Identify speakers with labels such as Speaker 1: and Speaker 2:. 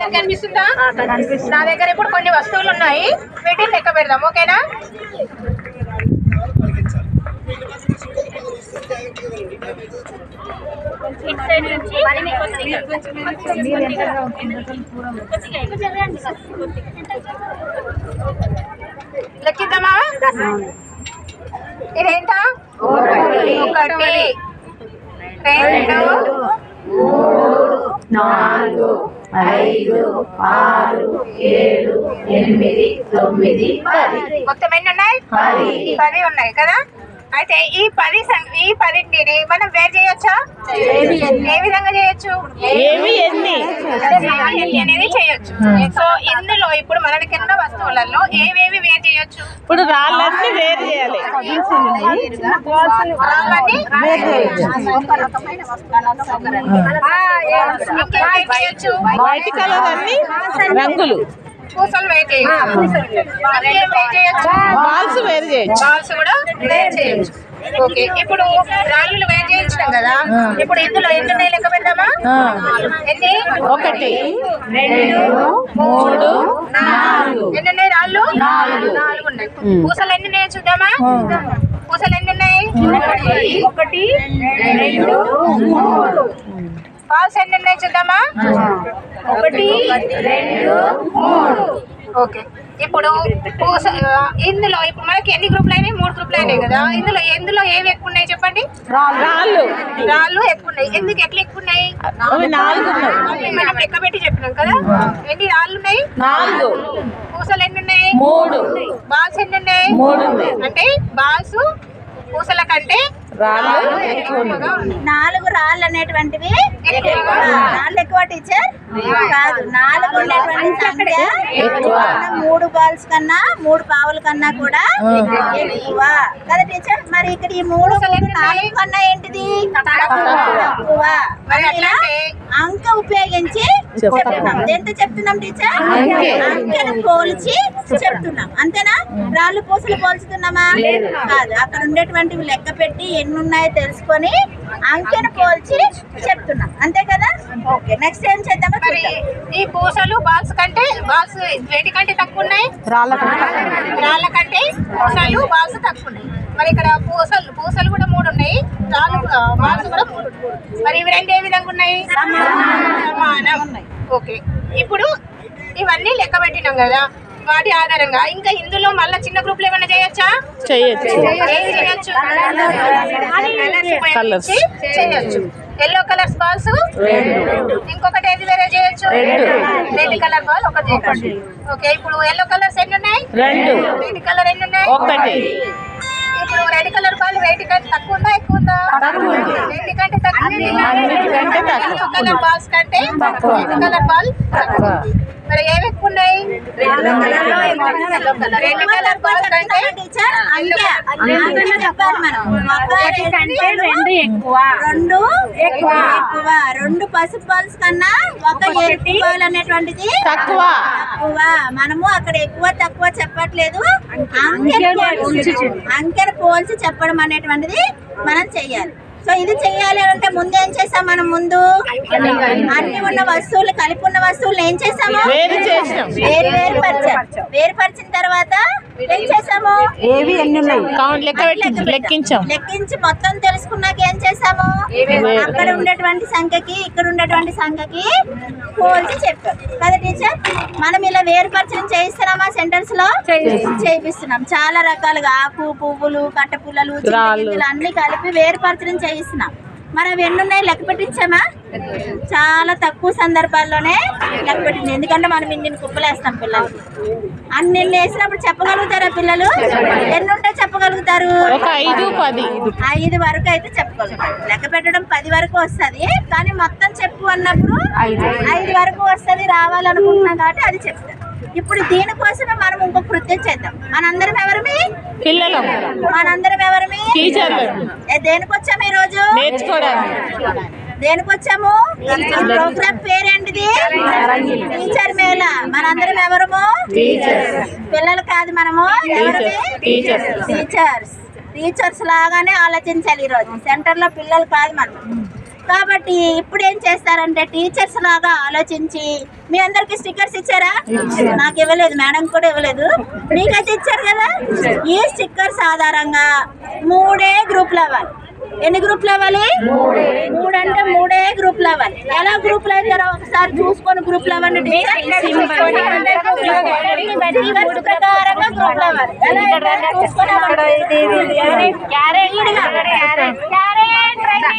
Speaker 1: ఇక్కడ కనిపిస్తుందా? నా దగ్గర ఇప్పుడు కొన్ని వస్తువులు ఉన్నాయి, వీటిని లెక్క పెడదాం. ఓకేనా? లెక్కిద్దామా? ఇదేంటా? 1 2 3 4 5 6 7 8 9 10. మొత్తం ఎన్ని ఉన్నాయి? 10 ఉన్నాయి కదా. అయితే ఈ 10ని మనం వేరు చేయొచ్చా? ఏ విధంగా చేయొచ్చు? అనేది చేయొచ్చు. సో ఇందులో ఇప్పుడు మనకిన్న వస్తువులలో ఏవేవి వేరు చేయొచ్చు?
Speaker 2: ఇప్పుడు రాళ్ళన్నీ వేరు చేయాలి. వైట్ కలర్ అన్ని రంగులు,
Speaker 1: పూసలు వేరు చేయొచ్చు,
Speaker 2: బాల్స్ వేరు చేయొచ్చు,
Speaker 1: బాల్స్ కూడా వేరు చేయొచ్చు. ఓకే, ఇప్పుడు రాళ్ళు వేరు చేయించినాం కదా. ఇప్పుడు ఇందులో ఎన్ని ఉన్నాయి లెక్క పెడదామా? ఎన్ని?
Speaker 2: 1 2 3 4.
Speaker 1: ఎన్ని ఉన్నాయి రాళ్ళు? 4 ఉన్నాయి. పూసలు ఎన్ని ఉన్నాయి చూద్దామా? పూసలు ఎన్ని ఉన్నాయి? 1 2 3. బాల్స్ ఎన్ని ఉన్నాయి చూద్దామా? 1 2 3. ఓకే, ఇప్పుడు ఇందులో ఇప్పుడు మనకి ఎన్ని గ్రూపులు అయినాయి? 3 గ్రూపులు అయినాయి కదా. ఎందులో ఏవి ఎక్కువ ఉన్నాయి చెప్పండి? రాళ్ళు ఎక్కువ ఉన్నాయి. ఎందుకు ఎట్లా ఎక్కువ ఉన్నాయి? మనం లెక్క పెట్టి చెప్పినాం కదా. ఎన్ని రాళ్ళు ఉన్నాయి? 4. పూసలు ఎన్ని ఉన్నాయి? 3. బాల్స్ ఎన్ని ఉన్నాయి? 3. అంటే బాల్స్ పూసల కంటే
Speaker 2: రాళ్ళు
Speaker 3: 4 రాళ్ళు అనేటువంటివి రాళ్ళు ఎక్కువ టీచర్ కాదు. 4 ఉండేటువంటి సంఖ్య 3 బాల్స్ కన్నా 3 పావుల కన్నా కూడా ఎక్కువ కదా టీచర్. మరి ఇక్కడ ఈ 3 4 కన్నా ఏంటిది తక్కువ. అంక ఉపయోగించి చెప్తున్నాం. ఎంత చెప్తున్నాం టీచర్? అంకెను పోల్చి చెప్తున్నాం. అంతేనా? రాళ్ళు పూసలు పోల్చుతున్నామా? కాదు. అక్కడ ఉండేటువంటివి లెక్క పెట్టి ఎన్ని ఉన్నాయో తెలుసుకొని అంకెను పోల్చి చెప్తున్నాం. అంతే కదా. ఓకే, నెక్స్ట్ ఏం చేద్దామో
Speaker 1: ఈ పూసలు బాల్స్ కంటే బాల్స్ వేటి కంటే తక్కువ ఉన్నాయి? రాళ్ళ కంటే పూసలు బాల్స్ తక్కువ ఉన్నాయి. మరి ఇక్కడ పూసలు కూడా 3 ఉన్నాయి, రాళ్ళు బాల్స్ కూడా 3. మరి ఇవి రెండు ఏ విధంగా ఉన్నాయి? సమానం. ఓకే, ఇప్పుడు ఇవన్నీ లెక్క పెట్టినాం కదా. వాటి ఆధారంగా ఇంకా ఇందులో మళ్ళీ చిన్న గ్రూప్లు ఏమైనా చేయొచ్చా? చేయొచ్చు. ఎల్లో కలర్స్ బాల్స్, ఇంకొకటి ఏది వేరే చేయొచ్చు? రెడ్ కలర్ బాల్ ఒకటి చేయొచ్చు. ఓకే, ఇప్పుడు ఎల్లో కలర్స్ ఎన్ని ఉన్నాయి? 2. రెడ్ కలర్ ఎన్ని ఉన్నాయి? 1. ఇప్పుడు రెడ్ కలర్ బాల్ వెయిట్ కంటే తక్కువ ఉందా ఎక్కువ ఉందా? వెయిట్ కంటే తక్కువ. ఎల్లో కలర్ బాల్స్ కంటే రెడ్ కలర్ బాల్ తక్కువ. మరి ఏవి ఎక్కువ ఉన్నాయి? రెడ్ కలర్ బాల్ కంటే
Speaker 3: రెండు పసుపు బాల్స్ కన్నా ఒక ఎరుపు బాల్ అనేటువంటిది తక్కువ. మనము అక్కడ ఎక్కువ తక్కువ చెప్పట్లేదు, అంకెను పోల్చి చెప్పడం అనేటువంటిది మనం చెయ్యాలి. సో ఇది చెయ్యాలి అంటే ముందు ఏం చేసాం? మనం ముందు అన్ని ఉన్న వస్తువులు కలిపి ఉన్న వస్తువులు ఏం చేసాము? వేరుపరిచిన తర్వాత ఏం చేసాము? లెక్కించి మొత్తం తెలుసుకున్నాక ఏం చేసాము? అక్కడ ఉండేటువంటి సంఖ్యకి ఇక్కడ ఉండేటువంటి సంఖ్యకి పోల్చి చెప్పాం కదా టీచర్. మనం ఇలా వేరుపరచడం చేయిస్తున్నామా? సెంటెన్స్ లో చేయిస్తున్నాం. చాలా రకాలుగా ఆకు, పువ్వులు, కట్ట పుల్లలు, అన్ని కలిపి వేరుపరచడం చేయిస్తున్నాం. మరి అవి ఎన్ని ఉన్నాయి లెక్క పెట్టించామా? చాలా తక్కువ సందర్భాల్లోనే లెక్క పెట్టింది. ఎందుకంటే మనం ఇన్ని కుప్పలు వేస్తాం పిల్లలకి. అన్ని వేసినప్పుడు చెప్పగలుగుతారా పిల్లలు? ఎన్ని ఉంటే చెప్పగలుగుతారు? 5 వరకు అయితే చెప్పగలుగుతారు. లెక్క పెట్టడం 10 వరకు వస్తుంది, కానీ మొత్తం చెప్పు అన్నప్పుడు 5 వరకు వస్తుంది రావాలనుకుంటున్నాం కాబట్టి అది చెప్తారు. ఇప్పుడు దీనికోసమే మనం ఇంకో కృత్యం చేద్దాం. మనందరం ఎవరమి? పిల్లలు. మనందరం ఎవరమి? టీచర్లు. దేనికి వచ్చాము ఈ రోజు? దేనికి వచ్చాము? ప్రోగ్రామ్ పేరేంటిది? టీచర్ మేళ. మనందరం ఎవరము? పిల్లలు కాదు, మనము ఎవరమి? టీచర్స్. టీచర్స్ లాగానే ఆలోచించాలి. ఈరోజు సెంటర్ లో పిల్లలు కాదు, మనం కాబట్టి ఇప్పుడు ఏం చేస్తారంటే టీచర్స్ లాగా ఆలోచించి మీ అందరికి స్టిక్కర్స్ ఇచ్చారా? నాకు ఇవ్వలేదు, మేడం కూడా ఇవ్వలేదు, మీకైతే ఇచ్చారు కదా. ఈ స్టిక్కర్స్ ఆధారంగా 3 గ్రూపులు అవ్వాలి. ఎన్ని గ్రూపులు అవ్వాలి? 3 అంటే 3 గ్రూపులు అవ్వాలి. ఎలా గ్రూపులు అవుతారో ఒకసారి చూసుకొని గ్రూపులు అవ్వండి. ప్రకారంగా గ్రూపులు అవ్వాలి. ఎలా చూసుకొని